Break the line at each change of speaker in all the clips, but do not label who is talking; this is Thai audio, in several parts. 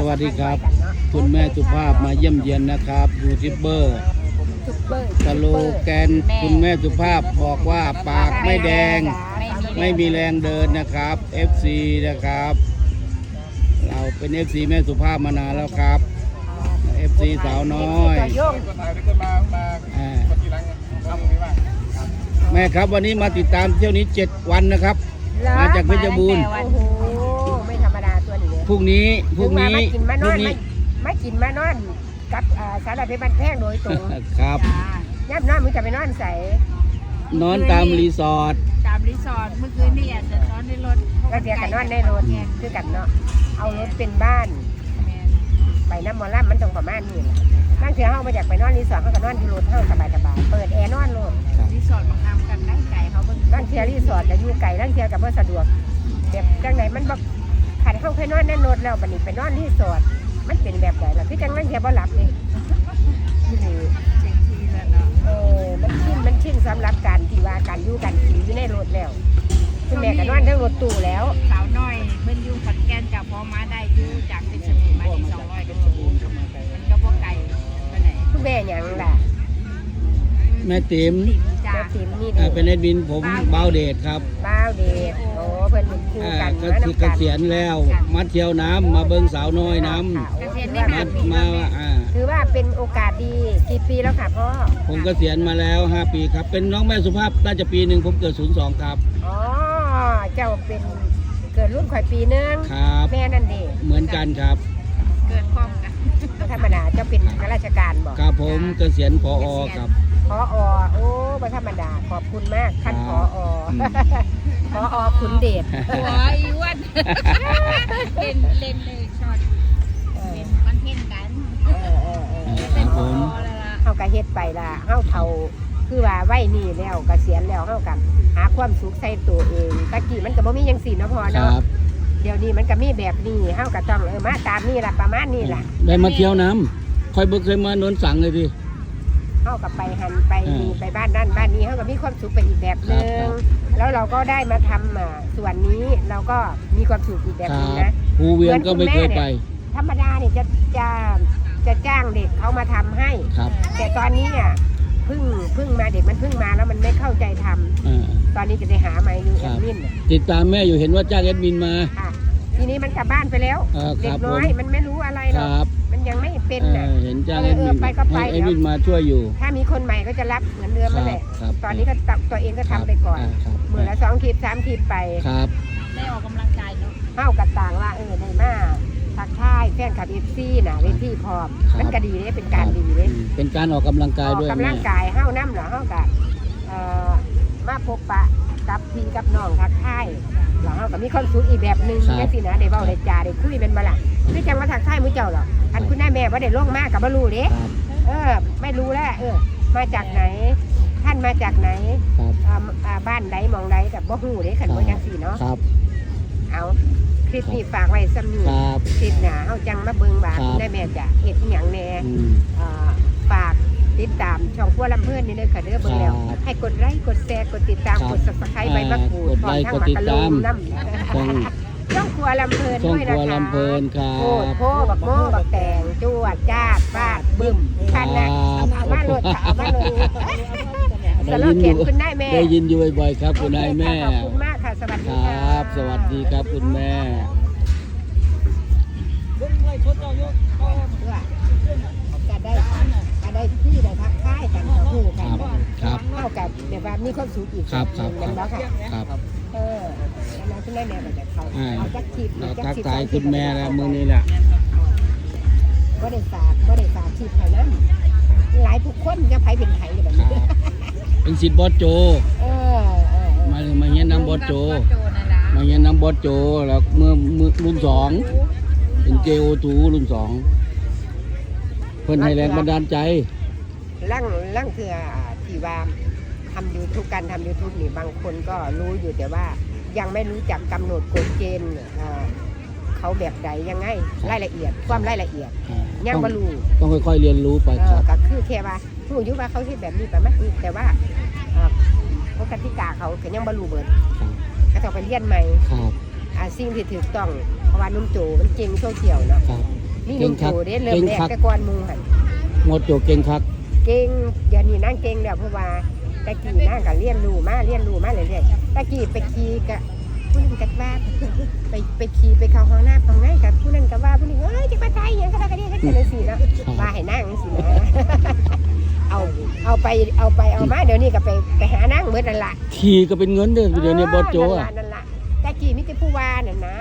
วัสดีครับคุณแม่สุภาพมาเยี่ยมเยียนนะครับยูทูบเบอร์สโลแกนคุณแม่สุภาพบอกว่าปากไม่แดงไม่มีแรงเดินนะครับ FC นะครับเราเป็น FC แม่สุภาพมานานแล้วครับ FC สาวน้อยแม่ครับวันนี้มาติดตามเที่ยวนี้7 วันนะครับมาจากเพชรบูรณ์
โอ้โหไม่ธรรมดาตัวนี้
พรุ่งนี้
ไม่กินมานอนกับสารพัดบ้านแพงโดยตรง
ครับ
ย่ำนอนมึงจะไปนอนใส่
นอนตามรีสอร์ท
เมื่อคืนนี่อาจจะนอนในรถ
ก็เดียวกันนอนในรถคือกันเนาะเอารถเป็นบ้านไปน้ำมอลล่ามันตรงประมาณนี้นั่งเถื่อเฮามาจากไปนอนรีสอร์ทเขาก็นอนที่รถเฮาสบายๆเปิดแอร์นอนรถ
รีสอร์ทบางทำกันได้ไก่เขาเบิ่ง
นั่งเถื่อรีสอร์ทจะอยู่ไกลนั่งเถื่อกับว่าสะดวกแบบจังไหนมันบอกขันเข้าเคยนอนในรถแล้วบัดนี้ไปนอนรีสอร์ทมันเป็นแบบไหนล่ะคือจังนั่งเถื่อบ่หลับนี่นี่
เจ๋งทีแล้วเนาะ
มันชินสำหรับการที่ว่าการอยู่กันกินอยู่ในรถแล้วคุณแม่ก็นอนทั้งรถตู้แล้ว
สาวน้อยเพิ่นอยู่ขอนแก่นจากพอมาได้อยู่จากเพชรบูรณ์มาที่200กิโลมันก็บ่ไกลไปไหน
คุณแม่หยังล่ะ
แม่ติ๋ม
จ้า
แม่ติ๋มนี่
เป็นเอ็ดบินผมเบาเดชครับ
บ้าวเดชโอ้เพิ่นเป็นคู่กัน
ก็คือเกษียณแล้วมาเที่ยวน้ำมาเบิ้งสาวน้อยน้ำมา
ถือว่าเป็นโอกาสดีกี่ปีแล้วค่ะพ่อ
ผมเกษียณมาแล้ว5 ปีครับเป็นน้องแม่สุภาพน่าจะปีหนึ่งผมเกิด02ครับ
อ๋อเจ้าเป็นเกิดรุ่นข่อยปีนึง
ครับ
แม่นั่นเด้
เหมือนกันครับ
เกิดพร้อมกัน
ธรรมดาเจ้าเป็นข้าราชการบอก
ครับผมเกษียณผอครับ
พอโอ้ไม่ธรรมดาขอบคุณมากท่านพอพอขุนเดช
หัวอีอ้วนเล่นเลยช็อตเป็นคอนเทนต์กัน
ครับผม
เฮาก็เฮ็ดไปล่ะเฮาเฒ่าคือว่าไว้นี่แล้วเกษียณแล้วเฮาก็หาความสุขใส่ตัวเองตะกี้มันก็บ่มีจังซี่เนาะพ่อ
ค
เนาะ
รับ
เดี๋ยวนี้มันก็มีแบบนี้เฮาก็ต้องมาตามนี่ล่ะประมาณนี้ล่ะ
ได้มาเที่ยวน้ำค่อยเบิกเคยมาโนนสังเลยพี่
เฮาก็ไปหันไปนี่ไปบ้านนั่นบ้านนี้เฮาก็มีความสุขไปอีกแบบนึงแล้วเราก็ได้มาทำส่วนนี้เราก็มีความสุขอีกแบบนึงนะ
ภูเวียนก็ไม่เคยไป
ธรรมดาเนี่ยจะจ้างเด็กเขามาทำให้
ครับ
แต่ตอนนี้เนี่ยเพิ่งมาเด็กมันเพิ่งมาแล้วมันไม่เข้าใจทำตอนนี้จะได้หาไม้ยูแอดมิน
ติดตามแม่อยู่เห็นว่าจ้างแอดมินมา
ค่ะทีนี้มันกลับบ้านไปแล้วเด็กน้อยมันไม่รู้อะไรหรอกมันยังไม่เป็นน่ะ
เห็นจ้างแอดมิน
ไปก็ไป
ให้แอดมินมาช่วยอยู่
ถ้ามีคนใหม่ก็จะรับเหมือนเดิมนั่นแหละตอนนี้ก็ตัวเองก็ทำไปก่อนมือละ2 คลิป 3 คลิปไป
ครับ
ได้ออกกำลังกายเนาะ
เข้ากับต่างว่าได้มาทักทายแฟนคลับFCน่ะเวทีพร้อมมันก็ดีเลยเป็นการดีเลย
เป็นการออกกำลังกายด้วย
กำลังกายเฮ้าน้ำเหรอเฮ้ากับมาพบปะกับพี่กับน้องทักทายเหรอเฮ้ากับมีความสุขอีกแบบหนึ่งแค่สินะได้เว้าได้จาได้คุยเป็นมาล่ะคือจังมาทักทายมื้อเจ้าหรอกอันคุณแม่ว่าได้ลงมากกับบ่รู้เด้ไม่รู้แล้วมาจากไหนท่านมาจากไหนบ้านใดมองใดกับบ่ฮู้เด้คันบ่จังซี่เนาะ
ครับ
เอาคลิปนี้ฝากไว้ซ้ำนี้คลิปหน้าเฮาจังมาเบิ่งว่าคุณแม่จะเฮ็ดอีหยังแน่ฝากติดตามช่องพัวลำเพิ่นนี่เด้อค่ะเด้อเบิ่งแล้วให้กดไลค์กดแชร์กดติดตามกด Subscribe ใบมะกรูดพร้อมทั้งหมากกะลูนำช่องครัวลำเพิ่น
ช่อง
ด้วย
ครั
นะ
ว
คะ
ลำเพลินครับ
โคตรโพบักโม่บักแตงจวดจ้าดฟาดบึ้มคันนะเอามาโหลดเอามาโหลดสโลแกนคุณนายแม่
ได้ยินอยู่บ่อยๆครับคุณนายแม่
ขอบคุณมากค่ะสวัส
ค
ดี
ร
ค่ะ
ับ สวัสดีครับคุณแม่
จะได้ที่ได้ทักทายกันหูกัน
ครับ
เท่ากับแบบว่ามีความสุขอีก
ครับ
กันแล้วค่ะ
ครับ
แล้วคุณแม่แบบเขาจักทิพย์
เรา
จัก
ทัก
ทิพย์
ทายคุณแม่แล้วมื้อนี้แหละ
ก็ได้ฝากทิพย์เขานั้นหลายทุกคนจะไผเป็นไผแบบ
ครั
นี้
บเป็นศิษย์บอสโจ มาเงี้ยน้ำบอสโจ มาเงี้ยน้ำบอสโจแล้วเมื่อรุ่น2เป็น JO2 รุ่น2เพิ่นให้แรงบันดาลใจ
ร่างคือที่ว่าทำยูทูบการทำ YouTube นี่บางคนก็รู้อยู่แต่ว่ายังไม่รู้จักกำหนดกฎเกณฑ์เขาแบบใดยังไงรายละเอียดความรายละเอียดยังไม่รู้
ต้องค่อยๆเรียนรู้ไปครับ
ก็คือแค่ว่าผู้ยุว่าเขาคิดแบบนี้ประมาณนี้แต่ว่าเขากติกาเขาก็ยังไม่รู้เบิดก็ต้องไปเรียนใหม่
ครับ
สิ่งที่ถูกต้องราะว่านุ่มโจมันเก่งโซเชียลเนาะ
ครับ
นี่นุ่มโจเด้เริ่มแรกแต่ก่อนหมูหัน
หมดโจเก่งคัก
เก่งเดี๋ยวนี้นั่งเก่งแล้วเพราะว่าตะกี้นั่งก็เรียนรู้มาเรื่อยๆตะกี้ไปขี่กับผู้นึงกัว่าไปขี่ไปเข้าห้องน้ำห้องไหนกับผู้นั้นก็ว่าผู้นี้เอ้ยจะมาใจอย่างก็ได้ก็ได้ก็ได้สิเนาะมาให้นั่งสินะเอาไปมาเดี๋ยวนี้ก็ไปหานั่งเหมือนนั่นล่ะ
ขี่ก็เป็นเงินเด้อเดี๋ยวนี้บอสโจอ่ะ
นั่นล่ะตะกี้มิตรผู้ว่าน่ะนะ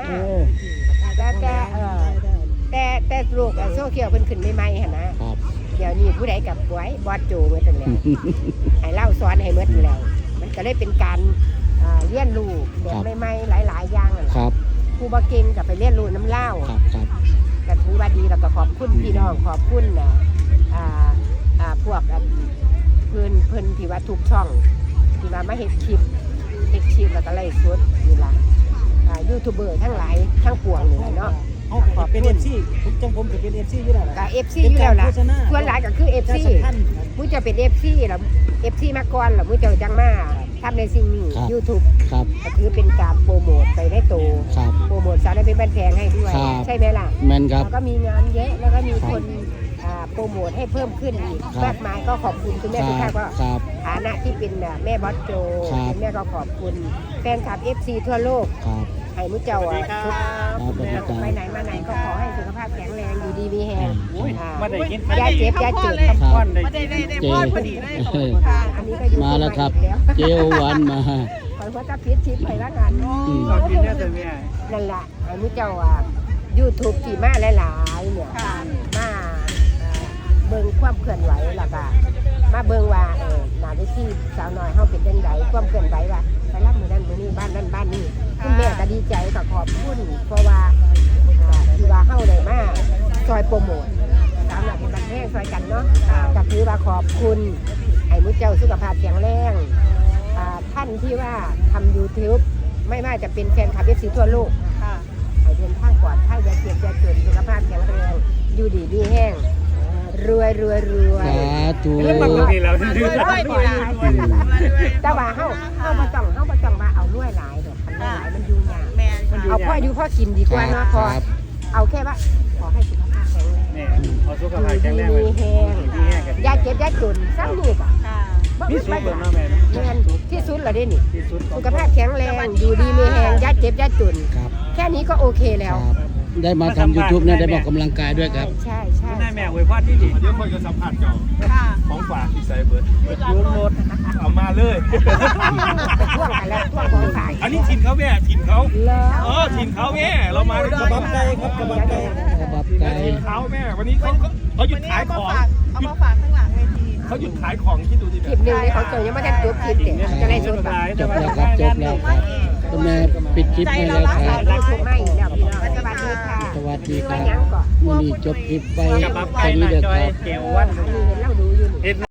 แต่โลกโซเชียลเพิ่นขึ้นใหม่ๆหั่นนะครับ เดี๋ยวนี้ผู้ใดกับไว้บอสโจเหมือนกันแล้วให้เล่าสอนให้เหมือนแล้วมันก็เลยเป็นการเรียนรู้แบบใหม่ๆหลายๆอย่างนั่น
ครับ
ครูบ่เก่งก็ไปเรียนรู้น้ำเล่า
ครับครับ
ก็ถือว่าดีแล้วก็ขอบคุณพี่น้องขอบคุณพวกเพิ่นที่ว่าทุกช่องที่ว่ามาเฮ็ดคลิปแล้วก็ไลฟ์สดนี่ล่ะยูทูบเบอร์ทั้งหลายทั้งปวงนี่แหละเนาะ
ขอบเป็น FC ผมจังผมก็เป็น FC อยู่แล้วล่ะ
ก็ FC อยู่แล้วล่ะส่วนหลายก็คือ FC มุ้ยจะเป็น FC แล้ว FC มาก่อนแล้วมุ้ยจะจังมาทำในสิ่งนี้ YouTube
ครับ
ก็ถือเป็นการโปรโมทไปในโต
ครับ
โปรโมทสารเป็นบ้านแพงให้ด้วย
ครับ
ใช่ไหมล่ะ
แมนครับ
แล้วก็มีงานเยอะแล้วก็มีคนโปรโมทให้เพิ่มขึ้นอีกมากมายก็ขอบคุณคุณแม่ทุกท่านก็
ครับ
ฐานะที่เป็นแม่บอสโจ
ครับ
คุณแม่ก็ขอบคุณแฟนคลับ FC ทั่วโลก
ครับ
ให้มุ้เจ้าทุก
ครับสวัสดีครับ
ไปไหนมาไหนก็ขอให้สุขภาพแข็งแรงอยู่ดีมีแฮง
มาได้กิน
ยาเจ็บยาเจ็บ
ครับ
ก้อนได้
ได้พอดพอดีเลยขอบคุณค่ะ
อันนี้ก็อยู่
มาแล้วครับ
แล้ว
เจลวันมา
ขอว่าจะพิษชิปไปละกัน
อืม
ขอบกินเนี่ยแต่แม่
นั่นแหละไอ้มุ้เจ้าYouTube ที่มาหลายๆเนี่ย
ค่ะ
มาเบิ่งความเคลื่อนไหวแล้วก็มาเบิ่งว่าหน้าเวทีสาวน้อยเฮาเป็นจังไดความเคลื่อนไหวว่าไปรับมื้อนั้นมื้อนี้บ้านนั้นบ้านนี้คุณแม่ก็ดีใจก็ขอบคุณเพราะว่าที่ว่าเฮาได้มาซอยโปรโมทสาวน้อยเป็นบันเทิงซอยกันเนาะก็ถือว่าขอบคุณให้มุ้เจ้าสุขภาพแข็งแรงท่านที่ว่าทำ YouTube ไม่ว่าจะเป็นแฟนคลับ FC ทั่วโลก
ค่ะ
ให้เดินทางปลอดภัยอย่าเจ็บอย่าจนสุขภาพแข็งแรงอยู่ดีมีแห้งรวย
สาธุ
มันก็ดีแล้วที่
แต่ว่าเฮาบ่ต้องว่าเอารวยหลายดอกคันรวยหลายมันอยู่ยาก
แมนค่ะ
เอาพ่ออยู่พ่อกินดีกว่าเนาะพอ
ครับ
เอาแค่ว่าขอให้สุขภาพแข็งแรง
เนี่ยเอาสุขภาพแข็งแรง
มีแห้ง
มีแห้งกัน
อย่าเจ็บอย่าจนซ้ำนี่ก็
ค่ะ
นี่สุดเลยนะแม่
แม่นที่สุดแล้วเด้นี่
ที่สุด
สุขภาพแข็งแรงอยู่ดีมีแห้งอย่าเจ็บอย่าจน
ครับ
แค่นี้ก็โอเคแล้ว
ครับ ได้มาทำ YouTube เนี่ยได้บอกกำลังกายด้วยครับ
ใช่
คุณนายแม่อวยพรที่ดี
เดี๋ยวคนจะสัมผัสเจ้า
ค่ะ
ของฝากที่ใส่เบิร์ด
ยูนรถ
เอามาเลย
ไปท่วงกันแล้วท่วงของฝ่าย
อันนี้ถิ่นเขาแม่ถิ่นเขา
เลิศ
ถิ่นเขาแม่เรามาด้วย
กระบับไก่ครับกระบับไก่
กระบับไก่
ถิ่นเขาแม่ วันนี้เขาหยุดขายของ
เอามาฝากข้างหลังเวที
เขาหยุดขายของที่ดูดิ
คลิปหนึ่งในของเจอยังไม่ได้จบคลิปเด็กจะได้สดแบบ
จบแล้วครับจบแล้วครับคุณแม่ปิดคลิปให้แล้วครับ
ได้สดไม่แล้วพี่น้องสวัสดีค่ะ
สวัสดีค
ว่า
รับ
ยังก่อน
วันนี้จบคลิปไป
กระบับ
แค่
ไก่
นี้
มา
เด้อ
จอ
ค
ย
รับ
เกลวัน
อันนี้เห็นเล่าดูอยู่นี่
เห็น